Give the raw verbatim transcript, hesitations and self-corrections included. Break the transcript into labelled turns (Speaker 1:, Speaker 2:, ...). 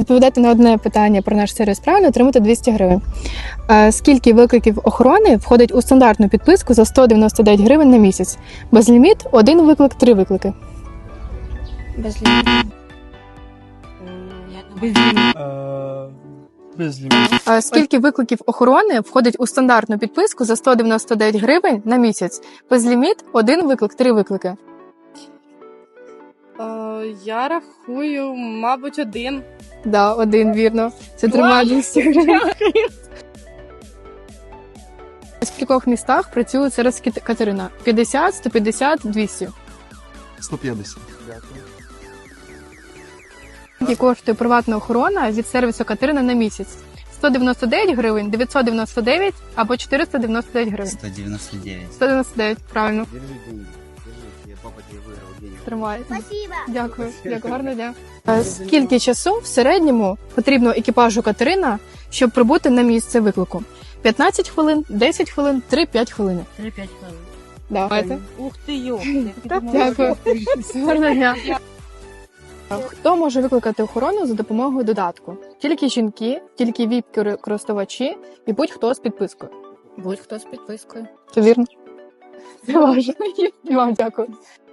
Speaker 1: відповідати на одне питання про наш сервіс правильно, отримати двісті гривень. Е, Скільки викликів охорони входить у стандартну підписку за сто дев'яносто дев'ять гривень на місяць? Безліміт, один виклик, три виклики.
Speaker 2: Безліміт.
Speaker 3: Безліміт. Безліміт.
Speaker 1: Е, Скільки викликів охорони входить у стандартну підписку за сто дев'яносто дев'ять гривень на місяць? Безліміт, один виклик, три виклики.
Speaker 2: Я рахую, мабуть, один.
Speaker 1: Да, один, вірно. Це тримає двісті гривень. В скількох містах працює сервіс Кит- Катерина? п'ятдесят, сто п'ятдесят, двісті.
Speaker 3: сто п'ятдесят.
Speaker 1: Скільки коштує приватна охорона від сервісу Катерина на місяць? сто дев'яносто дев'ять гривень, дев'ятсот дев'яносто дев'ять або чотириста дев'яносто дев'ять гривень.
Speaker 4: сто девяносто девять.
Speaker 1: сто дев'яносто дев'ять, правильно.
Speaker 5: Держи деньги. Держи, я папа тебе выиграл денег.
Speaker 1: Тримає.
Speaker 6: Спасибо.
Speaker 1: Дякую. Дякую, гарного дня. Е, Скільки часу в середньому потрібно екіпажу Катерина, щоб прибути на місце виклику? п'ятнадцять хвилин, десять хвилин, три-п'ять хвилин.
Speaker 2: три-п'ять хвилин.
Speaker 1: Давайте.
Speaker 2: Ух ти, йопти.
Speaker 1: Дякую. Гарного дня. Хто може викликати охорону за допомогою додатку? Тільки жінки, тільки віп-користувачі і будь-хто з підпискою.
Speaker 2: Будь-хто з підпискою.
Speaker 1: Це вірно? Це важливо. І вам дякую.